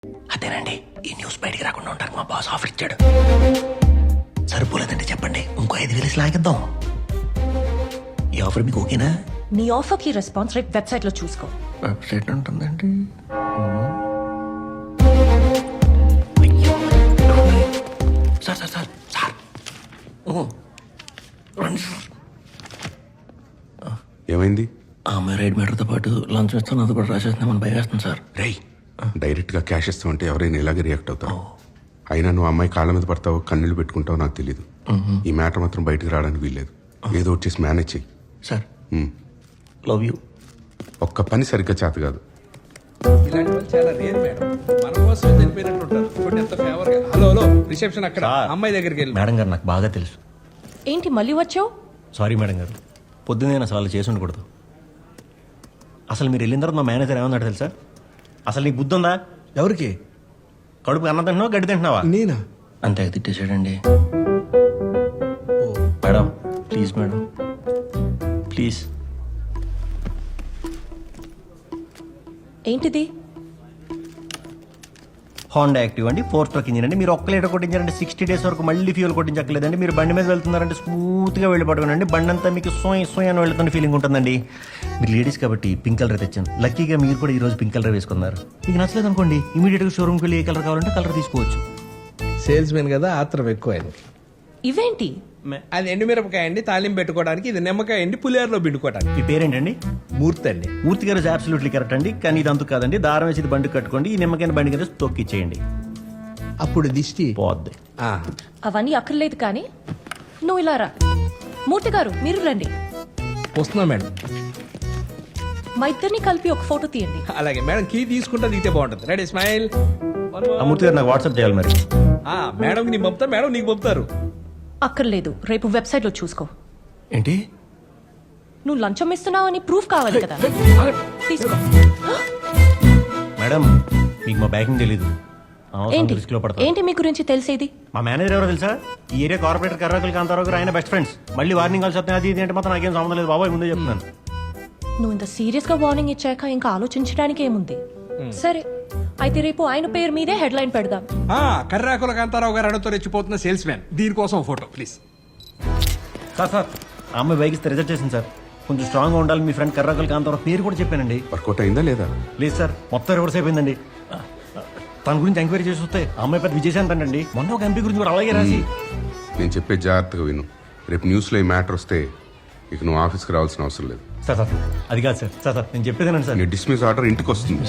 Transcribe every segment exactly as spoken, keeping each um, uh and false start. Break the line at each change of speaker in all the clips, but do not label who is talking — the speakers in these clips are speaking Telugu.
అదేనండి, ఈ న్యూస్ బయటికి రాకుండా ఉంటారు మా బాస్ ఆఫర్ ఇచ్చాడు. సరిపోలేదంటే చెప్పండి, ఇంకో ఐదు వేలు లాగిద్దాం. ఈ ఆఫర్ మీకు ఓకేనా?
నీ ఆఫర్ కి రెస్పాన్స్ రేట్ వెబ్సైట్ లో చూసుకో.
వెబ్సైట్ ఉంటుందండి. సార్ సార్ సార్ సార్ రండి సార్.
ఏమైంది?
ఆ అమ్మాయి రైడ్ మీటర్తో పాటు లంచ్ ఇస్తాను, అది కూడా రాసేస్తున్నామని భయం వేస్తుంది సార్.
రేయ్, డైరెక్ట్ గా క్యాష్ ఇస్తామంటే ఎవరైనా ఇలాగే రియాక్ట్ అవుతారు. అయినా నువ్వు అమ్మాయి కాళ్ళ మీద పడతావో కన్నీళ్ళు పెట్టుకుంటావో నాకు తెలియదు. ఈ మ్యాటర్ మాత్రం బయటకు రావడానికి వీల్లేదు. ఏదో వచ్చేసి మేనేజ్ చెయ్యి
సార్. Love you.
ఒక్క పని సరిగ్గా చేత కాదు.
ఇలాంటి వాళ్ళు చాలా రేర్ మేడం. మన కోసం చనిపోయినట్టు ఉంటారు. చూడండి ఎంత ఫేవర్ గా. హలో హలో రిసెప్షన్ అక్కడ, అమ్మాయి దగ్గరికి వెళ్ళి.
మేడం గారు నాకు బాగా తెలుసు.
ఏంటి మళ్ళీ వచ్చావు?
సారీ మేడం గారు, పొద్దున్నే నేను అసలు అలా చేసి ఉండకూడదు. అసలు మీరు వెళ్ళిన తర్వాత మా మేనేజర్ ఏమన్నాడు తెలుసా? అసలు నీకు బుద్ధి ఉందా?
ఎవరికి?
కడుపు అన్నం తింటున్నావా గడ్డి తింటున్నావా?
నేనా?
అంతే తిట్టేసాడండి.
Madam please madam please.
ఏంటిది?
హోండా యాక్టివ్ అండి, ఫోర్ స్ట్రోక్ ఇంజిన్ అండి. మీరు ఒక్క లీటర్ కొట్టించారంటే సిక్స్టీ డేస్ వరకు మళ్ళీ ఫ్యూల్ కొట్టించక్కలేదండి. మీరు బండి మీద వెళ్తున్నారంటే స్మూత్గా వెళ్ళి పట్టుకోండి. బండి అంతా మీకు సోయ్ సోయ్ అని వెళ్తున్న ఫీలింగ్ ఉంటుందండి. మీరు లేడీస్ కాబట్టి పింక్ కలర్ తెచ్చాను. లక్కీగా మీరు కూడా ఈ రోజు పింక్ కలర్ వేసుకున్నారు. మీకు నచ్చలేదు అనుకోండి, ఇమీడియట్గా షోరూమ్కి వెళ్ళి ఏ కలర్ కావాలంటే కలర్ తీసుకోవచ్చు.
సేల్స్ మెన్ కదా, ఆత్రం ఎక్కువ ఆయన.
ఇవేంటి?
అది ఎండుమిరపకాయ అండి, తాలింపు పెట్టుకోవడానికి. ఇది నిమ్మకాయ అండి, పులిహోరలో పిండుకోవడానికి.
మీ పేరేంటండి?
మూర్తి అండి.
మూర్తి గారు అబ్సల్యూట్లీ కరెక్ట్ అండి. కానీ ఇది అంతు కాదండి. దారం వేసి ఇది బండి కట్టుకోండి, ఈ నిమ్మకాయ బండి కింద తొక్కిచ్చేయండి,
అప్పుడు దిష్టి
పోద్ది.
ఆ,
అవన్నీ అక్కర్లేదు కానీ నువ్వు ఇలా రా. మూర్తి గారు మీరు రండి.
వస్తున్నా మేడం.
మా ఇద్దరిని కలిపి ఒక ఫోటో తీయండి.
అలాగే మేడం, కీ తీసుకుంటా దిగితే బాగుంటుంది. Ready smile.
ఆ మూర్తి గారు నాకు వాట్సాప్ చేయాలి మరి.
మేడం నీకు పంపుతా, మేడం నీకు పంపుతారు.
అక్కర్లేదు, రేపు వెబ్సైట్ లో చూసుకో.
ఏంటి?
నువ్వు లంచం ఇస్తున్నావని ప్రూఫ్ కావాలి కదా, తీసుకో.
మేడం మీకు మా బ్యాకింగ్ తెలీదు.
ఏంటి
రిస్క్ లో పడతారు.
ఏంటి మీ గురించి తెలిసేది?
మా మేనేజర్ ఎవరో తెలుసా? ఈ ఏరియా కార్పొరేటర్ కర్రకులు కాంతారావు గారు ఆయన బెస్ట్ ఫ్రెండ్స్. మళ్ళీ వార్నింగ్ కాల్స్ వస్తాయి, అది ఇది అంటే మాత్రం నాకేం సంబంధం లేదు బాబాయ్, ముందే చెప్తున్నాను.
నువ్వు ఇంత సీరియస్ గా వార్నింగ్ ఇచ్చాక ఇంకా ఆలోచించడానికి ఏముంది? సరే అయితే రేపు ఆయన పేరు మీదే హెడ్ లైన్ పెడదాం.
కర్రాకుల కాంతారావు గారు అడుగుతూ రెచ్చిపోతున్న సేల్స్ మ్యాన్, దీనికోసం ఫోటో ప్లీజ్.
సార్ సార్ ఆ అమ్మాయి బైక్ ఇస్తే రిజెక్ట్ చేసింది సార్. కొంచెం స్ట్రాంగ్ గా ఉండాలి. మీ ఫ్రెండ్ కర్రకులు కాంతారావు పేరు కూడా చెప్పానండి.
వర్కౌట్ అయిందా లేదా?
లేదు సార్, మొత్తం రివర్స్ అయిపోయిందండి. తన గురించి ఎంక్వైరీ చేసి వస్తే ఆ అమ్మాయి పెద్ద విజయశాంత్ అండి. మొన్న ఒక ఎంపీ గురించి కూడా అలాగే రాసి.
నేను చెప్పే జాగ్రత్తగా విను. రేపు న్యూస్లో ఈ మ్యాటర్ వస్తే ఇక నువ్వు ఆఫీస్కి రావాల్సిన అవసరం లేదు.
సార్ సార్ అది కాదు సార్. సార్ సార్ నేను చెప్పేదేనండి సార్.
నీ డిస్మిస్ ఆర్డర్ ఇంటికి వస్తుంది.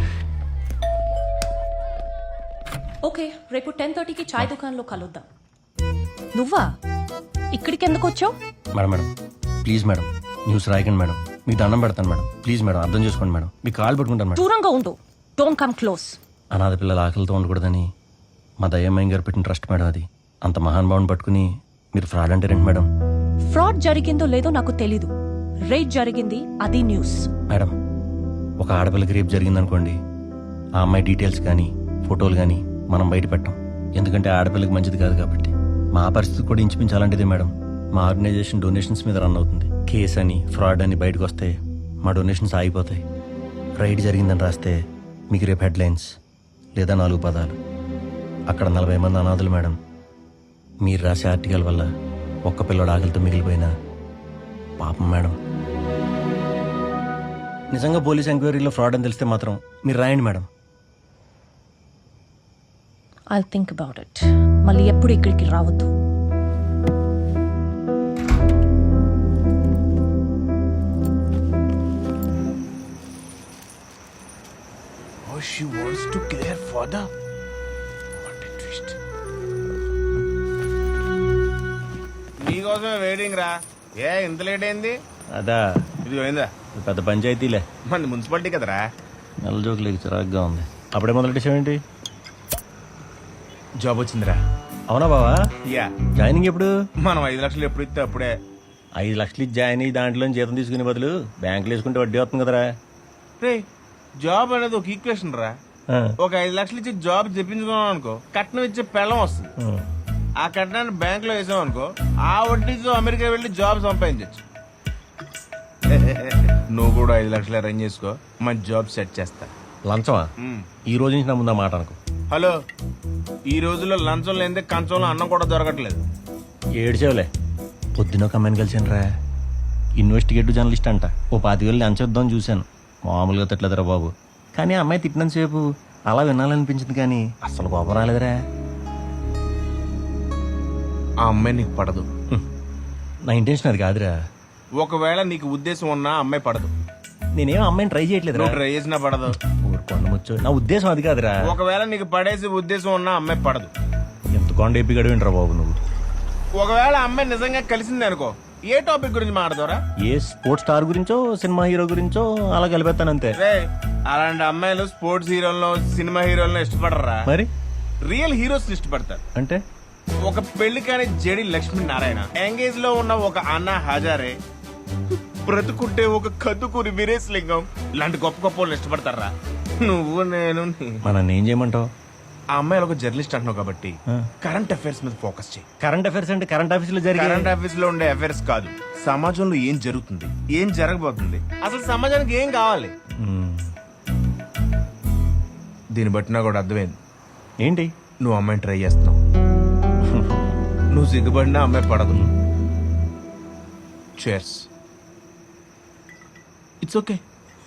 ఓకే, రేపు టెన్ థర్టీకి చాయ్ దుకాణంలో కలుద్దాం. నువ్వా ఇక్కడికి ఎందుకు వచ్చావు?
Madam madam please madam, news రాయకండి మేడం. మీకు దండం పెడతాను మేడం, ప్లీజ్ మేడం అర్థం చేసుకోండి మేడం. మీకు కాల్ పెట్టుకుంటాను మేడం.
దూరంగా ఉండు, డోంట్ కమ్ క్లోజ్.
అనాథ పిల్లల ఆకలితో ఉండకూడదని మా దయ్యమ్మ గారు పెట్టిన ట్రస్ట్ మేడం అది. అంత మహానుభావుని పట్టుకుని మీరు ఫ్రాడ్ అంటే రండి మేడం.
ఫ్రాడ్ జరిగిందో లేదో నాకు తెలీదు, రేట్ జరిగింది అది న్యూస్.
మేడం ఒక ఆడపిల్లకి రేపు జరిగిందనుకోండి, ఆ అమ్మాయి డీటెయిల్స్ కానీ ఫోటోలు కానీ మనం బయట పెట్టాం. ఎందుకంటే ఆడపిల్లకి మంచిది కాదు కాబట్టి. మా పరిస్థితి కూడా ఇంచుమించాలంటిదే మేడం. మా ఆర్గనైజేషన్ డొనేషన్స్ మీద రన్ అవుతుంది. కేస్ అని ఫ్రాడ్ అని బయటకు వస్తే మా డొనేషన్స్ ఆగిపోతాయి. రైడ్ జరిగిందని రాస్తే మీకు రేపు హెడ్లైన్స్ లేదా నాలుగు పదాలు. అక్కడ నలభై మంది అనాథులు మేడం. మీరు రాసే ఆర్టికల్ వల్ల ఒక్క పిల్లడు ఆకలితో మిగిలిపోయినా పాపం మేడం. నిజంగా పోలీస్ ఎంక్వైరీలో ఫ్రాడ్ అని తెలిస్తే మాత్రం మీరు రాయండి madam.
I'll think about it. మళ్ళీ ఎప్పుడు ఇక్కడికి రావద్దు.
Oh, she wants to kill her father. What a twist.
నీకోసమే వెయిటింగ్ రా. ఏ ఇంత లేట్ అయింది?
అదా
ఇది పోయిందా?
పెద్ద పంచాయతీలే,
మన మున్సిపాలిటీ కదరా.
నెల జోకులు చిరాగ్గా ఉంది. అప్పుడే మొదలెట్టేసావేంటి?
జాబ్ వచ్చిందిరా.
అవునా బావా?
యా.
జాయినింగ్ ఎప్పుడు?
మనం ఐదు లక్షలు ఎప్పుడు ఇస్తే అప్పుడే.
ఐదు లక్షలు ఇచ్చి జాయిన్ అయ్యి దాంట్లో జీతం తీసుకునే బదులు బ్యాంకులో వేసుకుంటే వడ్డీ వస్తుంది కదరా.
రే, జాబ్ అనేది ఒక ఈక్వేషన్ రా.
ఆ.
ఒక ఐదు లక్షలు ఇచ్చి జాబ్ తెప్పించుకున్నాం అనుకో, కట్నం ఇచ్చే పెళ్ళం వస్తుంది.
ఉం.
ఆ కట్నాన్ని బ్యాంక్ లో వేసాం అనుకో, ఆ వడ్డీతో అమెరికా వెళ్ళి జాబ్ సంపాదించచ్చు. నువ్వు కూడా ఐదు లక్షలు అరేంజ్ చేసుకో, మంచి జాబ్ సెట్ చేస్తా.
లంచమా ఈ రోజు నుంచి నా ముందు ఆ మాట అనుకో.
హలో, ఈ రోజుల్లో లంచం లేదే కంచంలో అన్నం కూడా దొరకట్లేదు.
ఏడ్చేవులే. పొద్దున ఒక అమ్మాయిని కలిసాను రా, ఇన్వెస్టిగేటివ్ జర్నలిస్ట్ అంట. ఓ పాతి వేలు లంచం ఇద్దామని చూశాను, మామూలుగా తిట్టలేదురా బాబు. కానీ ఆ అమ్మాయి తిట్టినంతసేపు అలా వినాలనిపించింది, కానీ అసలు కోపం రాలేదురా.
ఆ అమ్మాయి నీకు పడదు.
నా ఇంటెన్షన్ అది కాదురా.
ఒకవేళ నీకు ఉద్దేశం ఉన్నా ఆ అమ్మాయి పడదు.
నేనేం అమ్మాయిని ట్రై చేయట్లేదురా.
నువ్వు ట్రై చేసినా పడదు.
ఊరుకోండి ముచ్చు, నా ఉద్దేశం అది కాదురా.
ఒకవేళ నీకు పడేసి ఉద్దేశం ఉన్నా ఆ అమ్మాయి పడదు.
ఎంత కొండ ఎప్పి గడివింటరా బాబు నువ్వు.
ఒకవేళ ఆ అమ్మాయి నిజంగా కలిసింది అనుకో, ఏ టాపిక్ గురించి మాట్లాడతారా?
ఏ స్పోర్ట్స్ స్టార్ గురించో సినిమా హీరో గురించో అలా కలిపేస్తానంతే.
రే, అలాంటి అమ్మాయిలు స్పోర్ట్స్ హీరోలను సినిమా హీరోలను ఇష్టపడరా?
మరి
రియల్ హీరోస్ ఇష్టపడతారు.
అంటే
ఒక పెళ్లి కాని జడి లక్ష్మీనారాయణ, ఎంగేజ్ లో ఉన్న ఒక అన్నా హజారే, బ్రతుకుంటే ఒక కదుకూరి వీరేశ్ లింగం ఇలాంటి గొప్ప గొప్ప వాళ్ళు ఇష్టపడతారా? నువ్వు నేను నీ-
మనం ఏం చేయమంటావు?
ఆ అమ్మాయిలు ఒక జర్నలిస్ట్ అంటున్నావు కాబట్టి
ఆ.
కరెంట్ అఫైర్స్ మీద ఫోకస్ చేయి.
కరెంట్ అఫైర్స్ అంటే కరెంట్ ఆఫీస్ లో జరిగే
కరెంట్ అఫైర్స్ లో ఉండే అఫైర్స్ కాదు, సమాజంలో ఏం జరుగుతుంది, ఏం జరగబోతుంది, అసలు సమాజానికి ఏం కావాలి.
మ్మ్.
దీన్ని బట్టి నాకు కూడా అర్థమైంది,
ఏంటి
నువ్వు అమ్మాయిని ట్రై చేస్తున్నావు. నువ్వు సిగ్గుపడినా అమ్మాయి పడదు. చేర్స్. It's okay.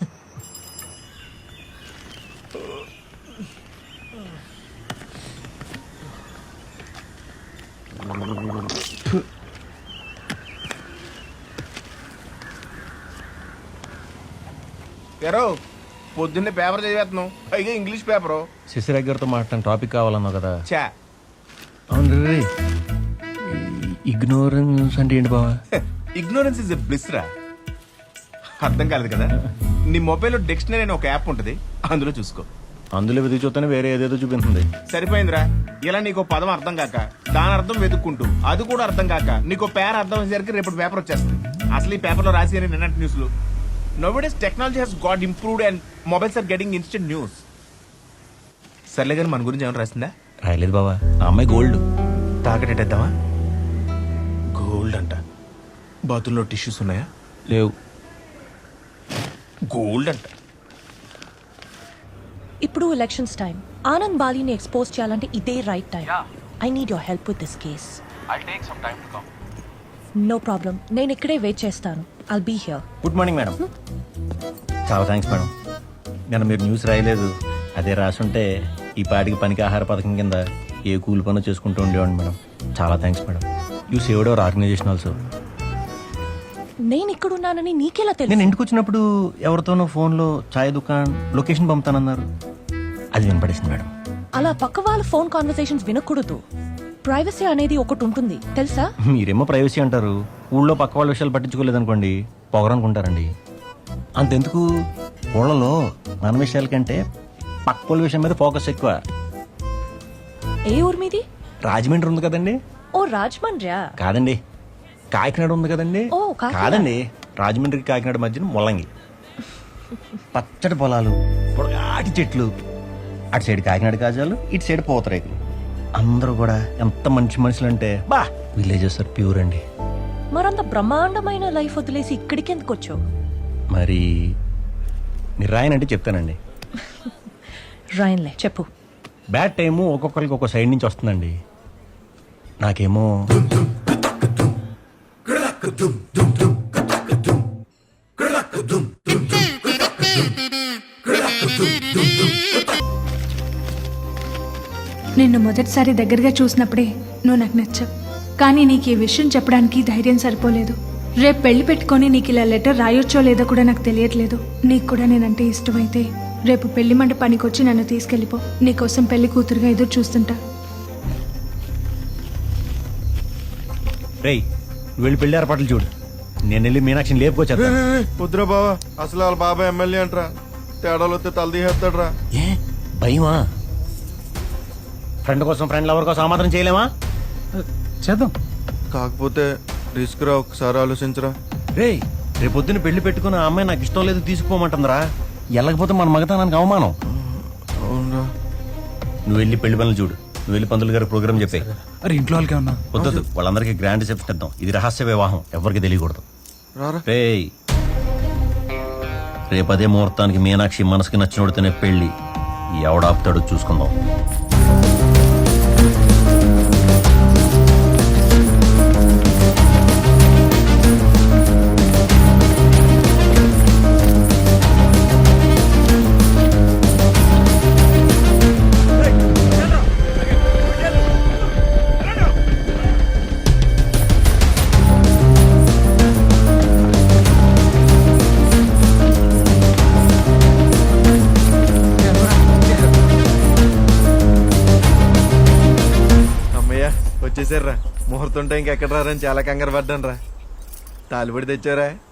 ఎరో పొద్దున్నే పేపర్ చదివేస్తున్నావు, పైగా ఇంగ్లీష్ పేపరు.
శశిరేఖ గారితో మాట్లాడిన టాపిక్ కావాలన్నావు కదా.
చా
అవును రే, ఇగ్నోరెన్స్ అంటే ఏంటి బావా?
ఇగ్నోరెన్స్ ఇస్ ఎ బ్లిస్ రా. అర్థం కాలేదు కదా? నీ మొబైల్లో డిక్షనరీ అనే ఒక యాప్ ఉంటుంది, అందులో చూసుకో.
అందులో వెతికి చూస్తేనే వేరే ఏదేదో చూపిస్తుంది.
సరిపోయిందిరా. ఇలా నీకు పదం అర్థం కాక దాని అర్థం వెతుక్కుంటూ అది కూడా అర్థం కాక నీకు పేర అర్థం అయ్యేసరికి రేపు పేపర్ వచ్చేస్తుంది. అసలు ఈ పేపర్లో రాసి నిన్నటి న్యూస్లు. Nowadays technology has got improved and mobiles are getting instant news. సర్లే కానీ మన గురించి ఏమైనా రాసిందా?
రాయలేదు బావా. ఆ అమ్మాయి గోల్డ్.
తాకటెట్టేద్దామా? గోల్డ్ అంట. బాతుల్లో టిష్యూస్ ఉన్నాయా?
లేవు.
గోల్డ్ అంట.
ఇప్పుడు ఎలక్షన్స్ టైం. ఆనంద్ బాలీని ఎక్స్పోజ్ చేయాలంటే ఇదే right time. I need your help with this case. No problem, నేను ఇక్కడే వెయిట్ చేస్తాను. I'll be here.
Good morning madam. చాలా థ్యాంక్స్ మేడం. నేను మీరు న్యూస్ రాయలేదు, అదే రాసుంటే ఈ పాటికి పనికి ఆహార పథకం కింద ఏ కూలి పనులు చేసుకుంటూ ఉండేవాడిని మేడం. చాలా thanks madam. You saved our organization also.
నేను ఇక్కడ ఉన్నానని నీకెలా
నేను
తెలుసు?
ఇంటికి వచ్చినప్పుడు ఎవరితోనో ఫోన్లో ఛాయ్ దుకాణం లొకేషన్ పంపుతానన్నారు, అది వినపడేసింది మేడం.
అలా పక్క వాళ్ళ ఫోన్ కాన్వర్సేషన్స్ వినకూడదు. ప్రైవసీ అనేది ఒకటి ఉంటుంది తెలుసా?
మీరేమో ప్రైవసీ అంటారు, ఊళ్ళో పక్క వాళ్ళ విషయాలు పట్టించుకోలేదనుకోండి పొగరనుకుంటారండి. అంతెందుకు, ఊళ్ళలో మన విషయాల కంటే పక్క వాళ్ళ విషయం మీద ఫోకస్ ఎక్కువ.
ఏ ఊరు మీది?
రాజమండ్రి ఉంది కదండి.
ఓ రాజమండ్రియా?
కాదండి, కాకినాడ ఉంది కదండి.
ఓ, కాకినాడ.
కాదండి, రాజమండ్రికి కాకినాడ మధ్యన ముల్లంగి. పచ్చడి పొలాలు, పొడగాటి చెట్లు, అటు సైడ్ కాకినాడ కాజాలు, ఇటు సైడ్ పూతరేకులు. అందరూ కూడా ఎంత మంచి మనుషులు అంటే బా, విలేజెస్ ఆర్ ప్యూర్ అండి.
మరంత బ్రహ్మాండమైన లైఫ్ వదిలేసి ఇక్కడికి ఎందుకు వచ్చావు?
మరి మీరు రాయనంటే చెప్తానండి.
రాయన్లే, చెప్పు.
బ్యాడ్ టైము ఒక్కొక్కరికి ఒక్కో సైడ్ నుంచి వస్తుందండి. నాకేమో
నిన్ను మొదటిసారి దగ్గరగా చూసినప్పుడే నువ్వు నాకు నచ్చావు. కానీ నీకు ఈ విషయం చెప్పడానికి ధైర్యం సరిపోలేదు. రేపు పెళ్లి పెట్టుకొని నీకు ఇలా లెటర్ రాయొచ్చో లేదో కూడా నాకు తెలియట్లేదు. నీకు కూడా నేనంటే ఇష్టమైతే రేపు పెళ్లి మండపానికి వచ్చి నన్ను తీసుకెళ్ళిపో. నీకోసం పెళ్లి కూతురుగా ఎదురు చూస్తుంటా.
రేయ్, నువ్వు వెళ్ళి పెళ్లి ఏర్పాట్లు చూడు, నేను వెళ్ళి మీనాక్షిని లేపుకొచ్చేస్తా.
వద్దురా బావా, అసలు వాళ్ళ బాబాయ్ ఎమ్మెల్యే అంటరా, తేడాలు వస్తే తలదీసేస్తాడు రా.
ఏ భయమా? ఫ్రెండ్ కోసం ఫ్రెండ్ లవర్ కోసం ఆ మాత్రం చేయలేమా?
చేద్దాం.
కాకపోతే రిస్క్ రా, ఒకసారి ఆలోచించరా.
రేయ్, రేపు పొద్దున్న పెళ్లి పెట్టుకుని ఆ అమ్మాయి నాకు ఇష్టం లేదు తీసుకుపోమంటుందిరా. వెళ్ళకపోతే మన మగతనానికి అవమానం.
అవునరా.
నువ్వు వెళ్ళి పెళ్లి పనులు చూడు, నువ్వు వెళ్ళి పంతులు గారి ప్రోగ్రామ్ చెప్పే.
అరే ఇంట్లో వాళ్ళకే ఉన్నా
వద్దొద్దు, వాళ్ళందరికీ గ్రాండ్ రిసెప్షన్ ఇద్దాం. ఇది రహస్య వివాహం, ఎవరికి తెలియకూడదు.
రారా.
రేయ్, రేపు అదే ముహూర్తానికి మీనాక్షి మనసుకి నచ్చినోడితేనే పెళ్లి. ఎవడాపుతాడో చూసుకుందాం.
అమ్మయ్య వచ్చేసారా. ముహూర్తం టైంకి ఎక్కడ రారని చాలా కంగారు పడ్డాను రా. తాలిపడి తెచ్చారా?